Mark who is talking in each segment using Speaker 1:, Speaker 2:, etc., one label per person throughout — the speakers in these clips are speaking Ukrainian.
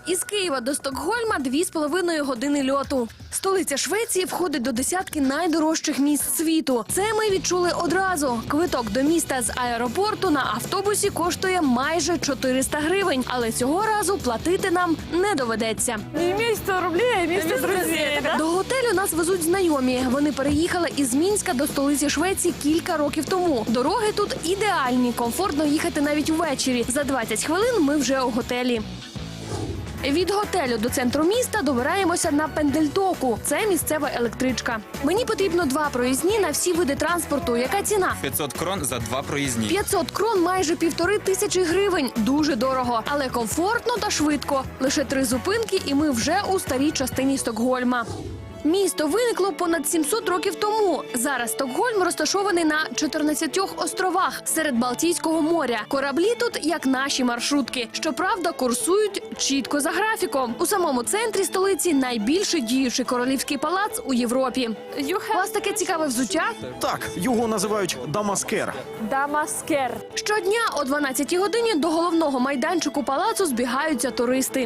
Speaker 1: Із Києва до Стокгольма 2,5 години льоту. Столиця Швеції входить до десятки найдорожчих міст світу. Це ми відчули одразу. Квиток до міста з аеропорту на автобусі коштує майже 400 гривень. Але цього разу платити нам не доведеться.
Speaker 2: Не вместе 100 рублей, а вместе друзей.
Speaker 1: До готелю нас везуть знайомі. Вони переїхали із Мінська до столиці Швеції кілька років тому. Дороги тут ідеальні, комфортно їхати навіть ввечері. За 20 хвилин ми вже у готелі. Від готелю до центру міста добираємося на Пендельтоку. Це місцева електричка. Мені потрібно 2 проїзні на всі види транспорту. Яка ціна?
Speaker 3: 500 крон за 2 проїзні.
Speaker 1: 500 крон – майже 1500 гривень. Дуже дорого, але комфортно та швидко. Лише 3 зупинки і ми вже у старій частині Стокгольма. Місто виникло понад 700 років тому. Зараз Стокгольм розташований на 14 островах серед Балтійського моря. Кораблі тут, як наші маршрутки. Щоправда, курсують чітко за графіком. У самому центрі столиці найбільший діючий королівський палац у Європі. У вас таке цікаве взуття?
Speaker 4: Так, його називають дамаскер.
Speaker 2: Дамаскер.
Speaker 1: Щодня о 12-й годині до головного майданчику палацу збігаються туристи.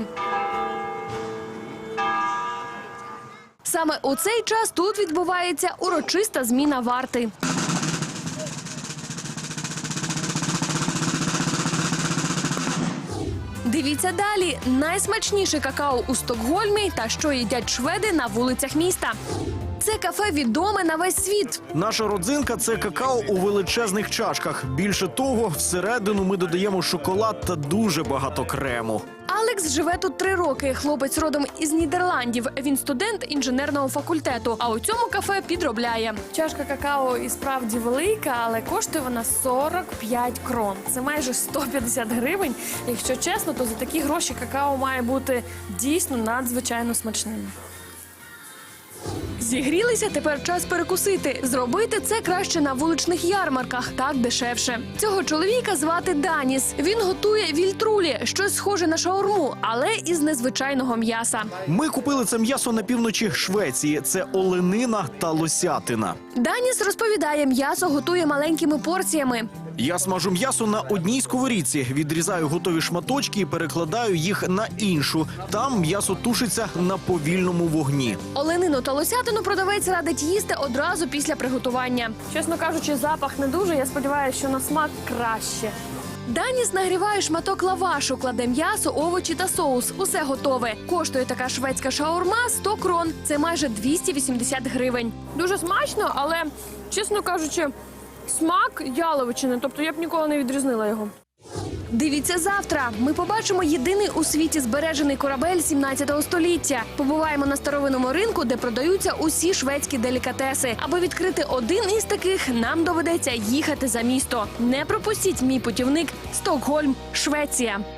Speaker 1: Саме у цей час тут відбувається урочиста зміна варти. Дивіться далі. Найсмачніше какао у Стокгольмі та що їдять шведи на вулицях міста. Це кафе відоме на весь світ.
Speaker 4: Наша родзинка – це какао у величезних чашках. Більше того, всередину ми додаємо шоколад та дуже багато крему.
Speaker 1: Алекс живе тут 3 роки. Хлопець родом із Нідерландів. Він студент інженерного факультету, а у цьому кафе підробляє.
Speaker 2: Чашка какао і справді велика, але коштує вона 45 крон. Це майже 150 гривень. Якщо чесно, то за такі гроші какао має бути дійсно надзвичайно смачним.
Speaker 1: Зігрілися, тепер час перекусити. Зробити це краще на вуличних ярмарках, так дешевше. Цього чоловіка звати Даніс. Він готує вільтрулі, щось схоже на шаурму, але із незвичайного м'яса.
Speaker 4: Ми купили це м'ясо на півночі Швеції. Це оленина та лосятина.
Speaker 1: Даніс розповідає, м'ясо готує маленькими порціями.
Speaker 4: Я смажу м'ясо на одній сковорідці, відрізаю готові шматочки і перекладаю їх на іншу. Там м'ясо тушиться на повільному вогні.
Speaker 1: Оленину та лосятину продавець радить їсти одразу після приготування.
Speaker 2: Чесно кажучи, запах не дуже. Я сподіваюся, що на смак краще.
Speaker 1: Даніс нагріває шматок лавашу, кладе м'ясо, овочі та соус. Усе готове. Коштує така шведська шаурма 100 крон. Це майже 280 гривень.
Speaker 2: Дуже смачно, але, чесно кажучи, смак яловичини. Тобто я б ніколи не відрізнила його.
Speaker 1: Дивіться завтра. Ми побачимо єдиний у світі збережений корабель 17 століття. Побуваємо на старовинному ринку, де продаються усі шведські делікатеси. Аби відкрити один із таких, нам доведеться їхати за місто. Не пропустіть мій путівник «Стокгольм, Швеція».